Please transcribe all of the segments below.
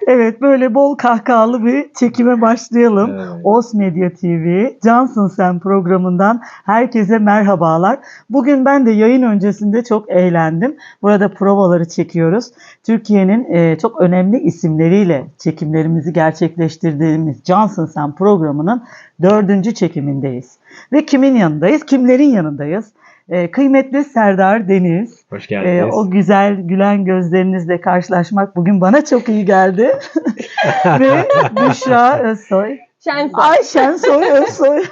Evet, böyle bol kahkahalı bir çekime başlayalım. Evet. Os Medya TV, Cansın Sen programından herkese merhabalar. Bugün ben de yayın öncesinde çok eğlendim. Burada provaları çekiyoruz. Türkiye'nin çok önemli isimleriyle çekimlerimizi gerçekleştirdiğimiz Cansın Sen programının 4. çekimindeyiz. Ve kimin yanındayız? Kimlerin yanındayız? Kıymetli Serdar Deniz. Hoş geldiniz. O güzel gülen gözlerinizle karşılaşmak bugün bana çok iyi geldi. Ve Büşra Özsoy. Şensoy. Ay Şensoy Özsoy.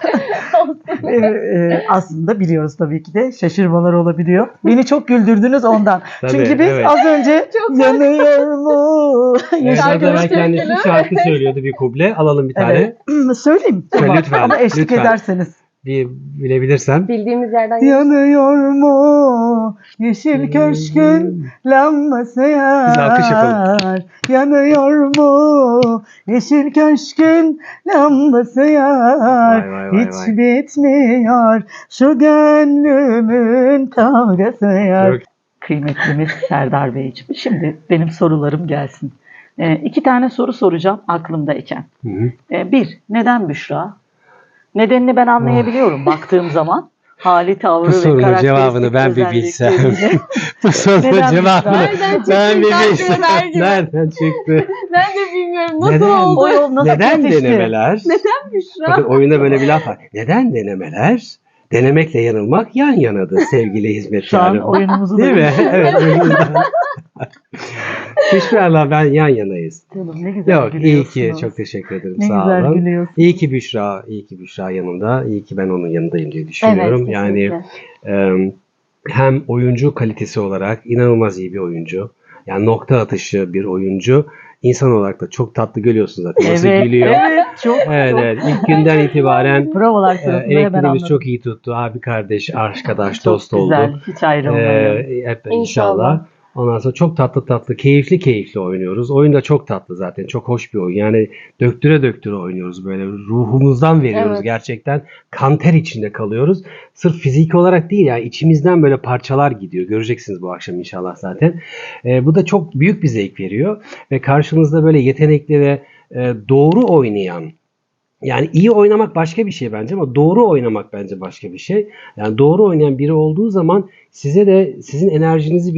Aslında biliyoruz tabii ki de şaşırmalar olabiliyor. Beni çok güldürdünüz ondan. Tabii, Çünkü biz evet. az önce Çok yanıyor mu? Biraz evvel görüştük kendisi gene. şarkı söylüyordu, bir kuble. Alalım bir tane. Evet. Söyleyeyim. Söyle lütfen, Ama eşlik lütfen. ederseniz. Bir bilebilirsem. Bildiğimiz yerden Yanıyor mu yeşil köşkün lambası Biz alkış yapalım. yar? Yanıyor mu yeşil köşkün lambası yar? Vay, vay, vay, Hiç vay. bitmiyor şu gönlümün kavgası yar. Çok- Kıymetlimiz Serdar Beyciğim. Şimdi benim sorularım gelsin. 2 tane soru soracağım aklımdayken. Hı hı. Bir, neden Büşra? Nedenini ben anlayabiliyorum baktığım zaman. Hali, tavrı Bu ve sorunun karakteristik cevabını ben bir bilsem. özellikleriyle. Bu sorunun Neden cevabını Nereden çıktı ben bir sanki bilsem. Ömer gibi? Nereden çıktı? Ben de bilmiyorum nasıl Neden? oldu. O yol nasıl Neden kesişti? denemeler? Neden Büşra? Bakın oyunda böyle bir laf var. Neden denemeler? Denemekle yanılmak yan yanadır sevgili Şu an hizmetkarım. oyunumuzu Değil da mi? Evet. Büşra'yla ben yan yanayız. Canım, ne güzel Yok, iyi gülüyorsunuz. ki, çok teşekkür ederim. Ne Sağ güzel olun. gülüyorsunuz. İyi ki Büşra yanımda. İyi ki ben onun yanındayım diye düşünüyorum. Evet, Yani hem oyuncu kalitesi olarak inanılmaz iyi bir oyuncu. Yani nokta atışı bir oyuncu. İnsan olarak da çok tatlı, görüyorsun zaten. Nasıl Evet, gülüyor. evet, çok. Evet, evet. İlk günden itibaren Provalar sırasında hemen elektriğimiz anladım. çok iyi tuttu. Abi, kardeş, arkadaş, Çok dost güzel, olduk. hiç ayrılmayalım. Hep inşallah. İnşallah. Ondan sonra çok tatlı, keyifli oynuyoruz. Oyun da çok tatlı zaten. Çok hoş bir oyun. Yani döktüre oynuyoruz böyle. Ruhumuzdan veriyoruz Evet. gerçekten. Kan ter içinde kalıyoruz. Sırf fiziki olarak değil, yani içimizden böyle parçalar gidiyor. Göreceksiniz bu akşam inşallah zaten. Bu da çok büyük bir zevk veriyor. Ve karşınızda böyle yetenekli ve doğru oynayan, yani iyi oynamak başka bir şey bence ama doğru oynamak bence başka bir şey. Yani doğru oynayan biri olduğu zaman size de sizin enerjinizi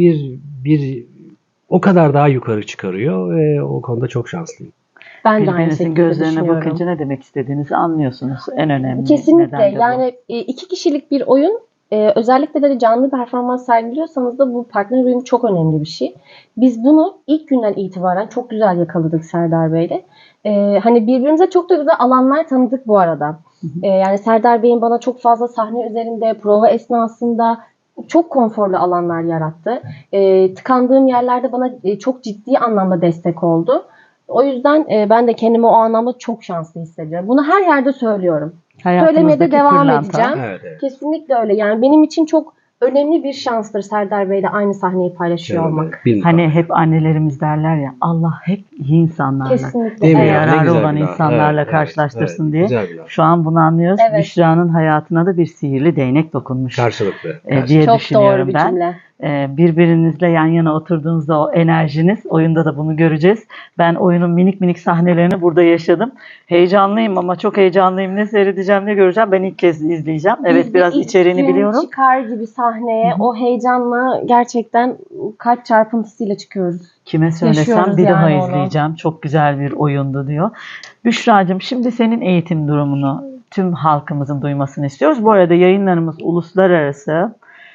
bir o kadar daha yukarı çıkarıyor ve o konuda çok şanslıyım. Ben de aynı Birbirinizin şekilde gözlerine düşünüyorum. bakınca ne demek istediğinizi anlıyorsunuz. En önemli Kesinlikle. neden de bu. Yani 2 kişilik bir oyun, özellikle de canlı performans sergiliyorsanız da bu partner uyumu çok önemli bir şey. Biz bunu ilk günden itibaren çok güzel yakaladık Serdar Bey'le. Hani birbirimize çok da güzel alanlar tanıdık bu arada. Yani Serdar Bey'in bana çok fazla sahne üzerinde, prova esnasında çok konforlu alanlar yarattı. Tıkandığım yerlerde bana çok ciddi anlamda destek oldu. O yüzden ben de kendimi o anlamda çok şanslı hissediyorum. Bunu her yerde söylüyorum. Söylemeye de Hayatımızdaki devam pırlanta. edeceğim. Evet. Kesinlikle öyle. Yani benim için çok önemli bir şanstır Serdar Bey'le aynı sahneyi paylaşıyor olmak. Hani hep annelerimiz derler ya, Allah hep iyi insanlarla, Kesinlikle. Değil mi ve ya? Ne yararı güzel olan bir laf. insanlarla Evet, karşılaştırsın evet. diye. Güzel bir laf. Şu an bunu anlıyoruz. Evet. Büşra'nın hayatına da bir sihirli değnek dokunmuş Karşılıklı. diye Çok düşünüyorum doğru bir ben. cümle. Birbirinizle yan yana oturduğunuzda o enerjiniz, oyunda da bunu göreceğiz. Ben oyunun minik sahnelerini burada yaşadım. Heyecanlıyım ama çok heyecanlıyım. Ne seyredeceğim, ne göreceğim. Ben ilk kez izleyeceğim. Evet, Biz de biraz ilk içeriğini gün biliyorum. çıkar gibi sahneye o heyecanla gerçekten kalp çarpıntısıyla çıkıyoruz. Kime söylesem Yaşıyoruz bir daha yani onu. izleyeceğim. Çok güzel bir oyundu diyor. Büşra'cığım, şimdi senin eğitim durumunu tüm halkımızın duymasını istiyoruz. Bu arada yayınlarımız uluslararası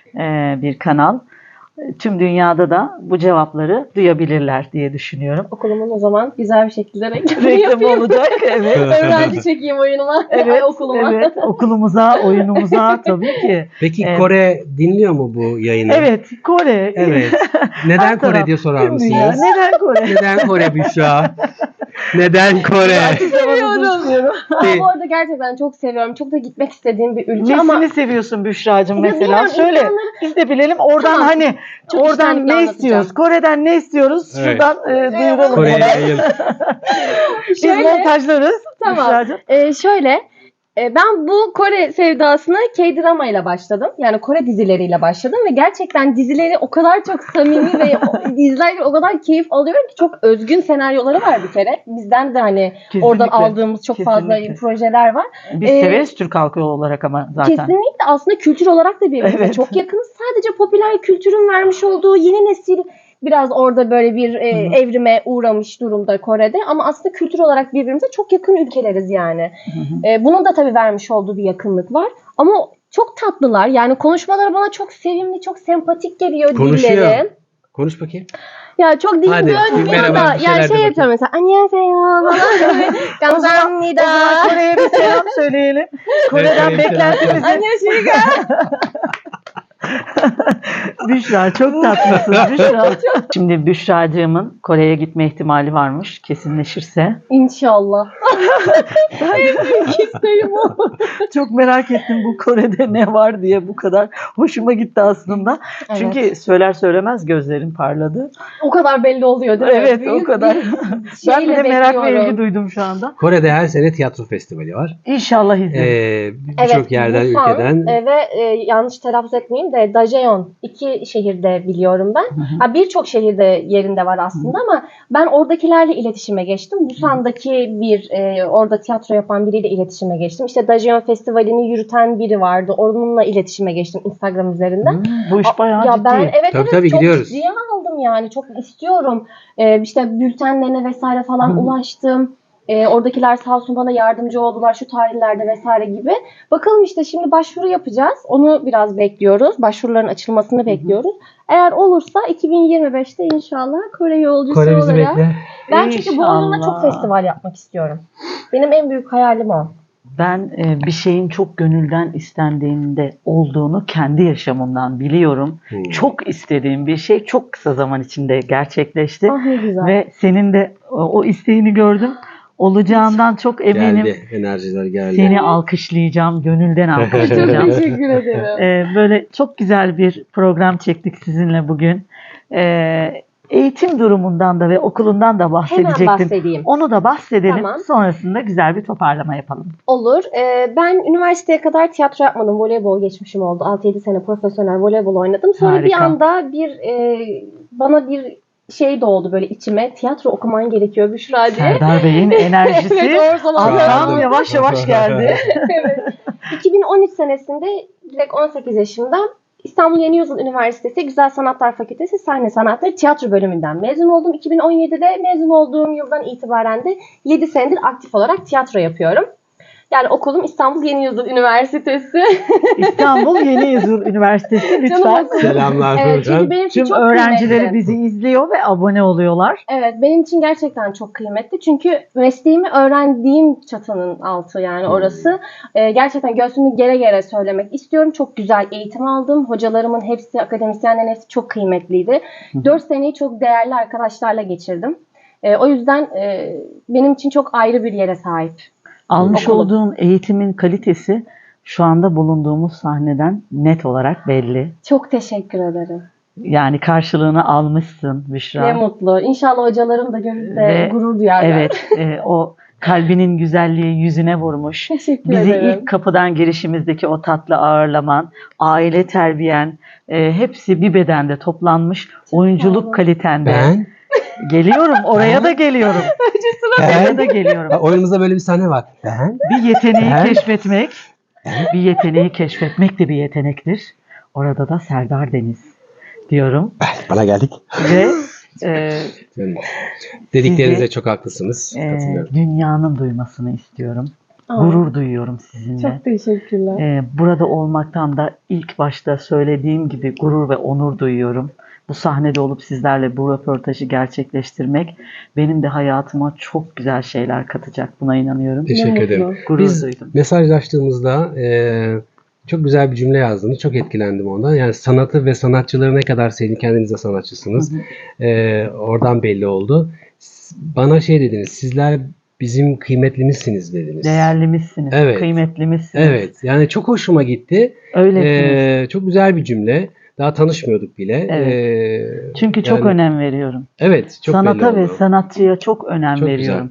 bir kanal. Tüm dünyada da bu cevapları duyabilirler diye düşünüyorum. Okulumun o zaman güzel bir şekilde reklamını Reklam yapayım. olacak. Evet. Öğrenci çekeyim oyunuma. Evet, Okuluma. evet. Okulumuza, oyunumuza tabii ki. Peki Evet. Kore dinliyor mu bu yayını? Evet, Kore. Evet. Neden Her Kore taraf, diye sorar tüm dünya. mısınız? Neden Kore? Neden Kore Büşra? Neden Kore? Seviyorum. Bu arada gerçekten çok seviyorum. Çok da gitmek istediğim bir ülke Nesini ama seviyorsun Büşra'cığım Ya mesela? bilmiyorum, Söyle. insanları- Biz de bilelim. Oradan Tamam. hani Çok oradan içtenlikle ne anlatacağım. istiyoruz? Kore'den ne istiyoruz? Evet. Şuradan duyuralım. Kore'ye ona. yayın. Biz Şöyle- montajlarız. Tamam. Büşra'cığım. Şöyle Ben bu Kore sevdasına K-drama ile başladım. Yani Kore dizileriyle başladım ve gerçekten dizileri o kadar çok samimi ve izlerken o kadar keyif alıyorum ki, çok özgün senaryoları var bir kere. Bizden de hani Kesinlikle. oradan aldığımız çok fazla Kesinlikle. projeler var. Biz severiz Türk halkı olarak ama zaten. Kesinlikle aslında kültür olarak da birbirimize Evet. çok yakınız. Sadece popüler kültürün vermiş olduğu yeni nesil biraz orada böyle bir evrime uğramış durumda Kore'de. Ama aslında kültür olarak birbirimize çok yakın ülkeleriz yani. Bunun da tabii vermiş olduğu bir yakınlık var. Ama çok tatlılar. Yani konuşmaları bana çok sevimli, çok sempatik geliyor Konuşuyor. dilleri. Konuş bakayım. Ya çok dilim Hadi, dönmüyor merhaba, da. bir şeyler Yani de şey yapıyorum mesela. Annyeonghaseyo falan. O zaman Kore'ye bir selam söyleyelim. Kore'den Evet, beklentimizi. Annyeonghaseyo. Büşra çok tatlısın Büşra. Şimdi Büşra'cığımın Kore'ye gitme ihtimali varmış. Kesinleşirse. İnşallah. En büyük isteğim o. Çok merak ettim bu Kore'de ne var diye, bu kadar hoşuma gitti aslında. Evet. Çünkü söyler söylemez gözlerim parladı. O kadar belli oluyor değil mi? Evet, Büyük o kadar. bir Ben bile şeyle merak ve bekliyorum. ilgi duydum şu anda. Kore'de her sene tiyatro festivali var. İnşallah izleriz. Birçok yerden, Busan, ülkeden. ve yanlış telaffuz etmeyeyim de Daejeon, 2 şehirde biliyorum ben. Birçok şehirde yerinde var aslında ama ben oradakilerle iletişime geçtim. Busan'daki bir orada tiyatro yapan biriyle iletişime geçtim. İşte Daejeon Festivali'ni yürüten biri vardı. Onunla iletişime geçtim Instagram üzerinden. Bu iş bayağı Ya ciddi. ben evet Tabii, çok gidiyoruz. ciddiye aldım yani. Çok istiyorum. İşte bültenlerine vesaire falan ulaştım. Oradakiler sağ olsun bana yardımcı oldular şu tarihlerde vesaire gibi. Bakalım işte şimdi başvuru yapacağız. Onu biraz bekliyoruz. Başvuruların açılmasını bekliyoruz. Eğer olursa 2025'te inşallah Kore yolcusu Kore bizi olarak. bekler. Ben çünkü Bodrum'da çok İnşallah. festival yapmak istiyorum. Benim en büyük hayalim o. Ben bir şeyin çok gönülden istendiğinde olduğunu kendi yaşamımdan biliyorum. Çok istediğim bir şey çok kısa zaman içinde gerçekleşti. Ah ne güzel. Ve senin de o isteğini gördüm. Olacağından çok eminim. Geldi. Enerjiler geldi. Seni alkışlayacağım, gönülden Çok alkışlayacağım. teşekkür ederim. Böyle çok güzel bir program çektik sizinle bugün. Eğitim durumundan da ve okulundan da Hemen bahsedecektim. bahsedeyim. Onu da bahsedelim. Tamam. Sonrasında güzel bir toparlama yapalım. Olur. Ben üniversiteye kadar tiyatro yapmadım. Voleybol geçmişim oldu. 6-7 sene profesyonel voleybol oynadım. Sonra bir Harika. anda bana bir şey doğdu böyle içime. Tiyatro okuman gerekiyor Büşra diye. Serdar Bey'in enerjisi Evet, o zaman alttan yavaş yavaş geldi. Evet. 2013 senesinde direkt 18 yaşımda İstanbul Yeni Yüzyıl Üniversitesi Güzel Sanatlar Fakültesi Sahne Sanatları Tiyatro bölümünden mezun oldum. 2017'de mezun olduğum yıldan itibaren de 7 senedir aktif olarak tiyatro yapıyorum. Yani okulum İstanbul Yeni Yüzyıl Üniversitesi. İstanbul Yeni Yüzyıl Üniversitesi lütfen. Canım okulum. Selamlar Evet, çünkü buradan. benim için Tüm çok öğrencileri kıymetli. bizi izliyor ve abone oluyorlar. Evet, benim için gerçekten çok kıymetli. Çünkü mesleğimi öğrendiğim çatının altı yani orası. Gerçekten göğsümü gere gere söylemek istiyorum. Çok güzel eğitim aldım. Hocalarımın hepsi, akademisyenlerin hepsi çok kıymetliydi. 4 seneyi çok değerli arkadaşlarla geçirdim. O yüzden benim için çok ayrı bir yere sahip. Almış Okulum. olduğun eğitimin kalitesi şu anda bulunduğumuz sahneden net olarak belli. Çok teşekkür ederim. Yani karşılığını almışsın Büşra. Ne mutlu. İnşallah hocalarım da görür de Ve- gurur duyarlar. Evet, o kalbinin güzelliği yüzüne vurmuş. Teşekkür Bizi ederim. ilk kapıdan girişimizdeki o tatlı ağırlaman, aile terbiyen, hepsi bir bedende toplanmış. sağ Oyunculuk olun. kalitende. Ben. Geliyorum, oraya da geliyorum. Oraya da geliyorum. Oyunumuzda böyle bir sahne var. Ben. Bir yeteneği Ben- keşfetmek, bir yeteneği keşfetmek de bir yetenektir. Orada da Serdar Deniz diyorum. Bana geldik. Ve Dediklerinize Sizi- çok haklısınız. Katılıyorum. dünyanın duymasını istiyorum. Gurur duyuyorum sizinle. Çok teşekkürler. Burada olmaktan da ilk başta söylediğim gibi gurur ve onur duyuyorum. Bu sahnede olup sizlerle bu röportajı gerçekleştirmek benim de hayatıma çok güzel şeyler katacak. Buna inanıyorum. Teşekkür Ne ederim. mutlu. Gurur Biz duydum. mesajlaştığımızda çok güzel bir cümle yazdınız. Çok etkilendim ondan. Yani sanatı ve sanatçıları ne kadar sevdiğini, kendiniz de sanatçısınız. Oradan belli oldu. Bana şey dediniz, sizler bizim kıymetlimizsiniz dediniz. Değerlimizsiniz, Evet. kıymetlimizsiniz. Evet. Yani çok hoşuma gitti. Öylesiniz. Çok güzel bir cümle. Daha tanışmıyorduk bile. Evet. Çünkü çok yani- önem veriyorum. Evet. Çok belli Sanata ve oldu. sanatçıya çok önem Çok veriyorum.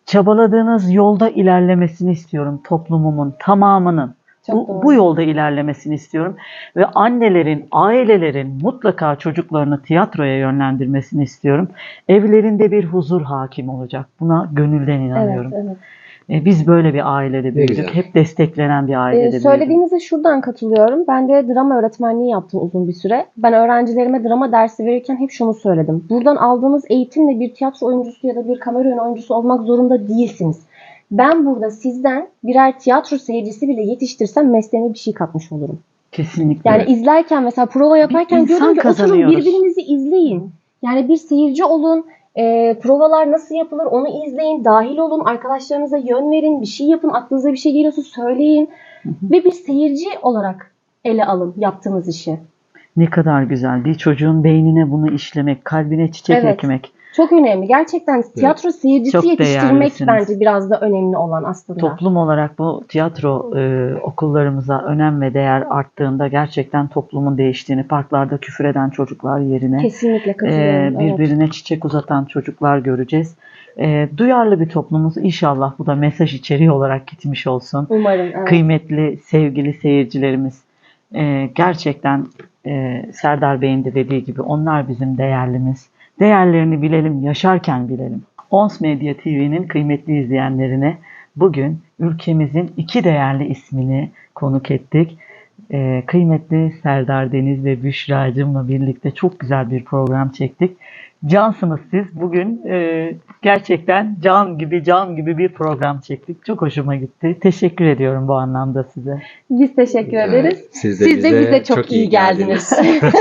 çabaladığınız yolda ilerlemesini istiyorum toplumumun tamamının. Çok doğru. Bu yolda ilerlemesini istiyorum. Ve annelerin, ailelerin mutlaka çocuklarını tiyatroya yönlendirmesini istiyorum. Evlerinde bir huzur hakim olacak. Buna gönülden inanıyorum. Evet, evet. Biz böyle bir ailede büyüdük. güzel. Hep desteklenen bir ailede büyüdük. Söylediğinize şuradan katılıyorum. Ben de drama öğretmenliği yaptım uzun bir süre. Ben öğrencilerime drama dersi verirken hep şunu söyledim. Buradan aldığınız eğitimle bir tiyatro oyuncusu ya da bir kamera önü oyuncusu olmak zorunda değilsiniz. Ben burada sizden birer tiyatro seyircisi bile yetiştirsem mesleğime bir şey katmış olurum. Kesinlikle. Yani izlerken mesela prova yaparken Bir diyorum insan ki oturun kazanıyoruz. birbirinizi izleyin. Yani bir seyirci olun. Provalar nasıl yapılır onu izleyin. Dahil olun. Arkadaşlarınıza yön verin. Bir şey yapın. Aklınıza bir şey geliyorsa söyleyin. Ve bir seyirci olarak ele alın yaptığınız işi. Ne kadar güzel. Bir çocuğun beynine bunu işlemek, kalbine çiçek Evet. ekmek. Çok önemli. Gerçekten tiyatro seyircisi Çok yetiştirmek değerlisiniz. bence biraz da önemli olan aslında. Toplum olarak bu tiyatro okullarımıza önem ve değer arttığında gerçekten toplumun değiştiğini, parklarda küfür eden çocuklar yerine Kesinlikle katılıyorum. Evet. birbirine çiçek uzatan çocuklar göreceğiz. Duyarlı bir toplumuz. İnşallah bu da mesaj içeriği olarak gitmiş olsun. Umarım. Evet. Kıymetli, sevgili seyircilerimiz, gerçekten Serdar Bey'in de dediği gibi onlar bizim değerlimiz. Değerlerini bilelim, yaşarken bilelim. Ons Medya TV'nin kıymetli izleyenlerine bugün ülkemizin iki değerli ismini konuk ettik. Kıymetli Serdar Deniz ve Büşra'cığımla birlikte çok güzel bir program çektik. Cansınız siz. Bugün gerçekten can gibi bir program çektik. Çok hoşuma gitti. Teşekkür ediyorum bu anlamda size. Biz teşekkür ederiz. Siz Siz de bize çok iyi geldiniz.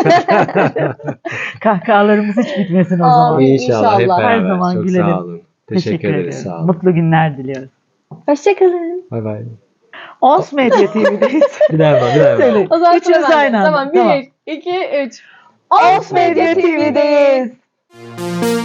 Kahkahalarımız hiç bitmesin o Amin. zaman. İnşallah hep İnşallah. beraber. Her zaman çok gülelim. sağ olun. Teşekkür ederiz. ediyorum. Sağ olun. Mutlu günler diliyoruz. Hoşçakalın. Bay bay. Ons Medya TV'deyiz. Bir daha yapalım, bir daha yapalım. Söyle. O zaman Üçümüz sıra bende. aynı anda. Tamam. Tamam. 1, 2, 3. Ons Medya TV'deyiz.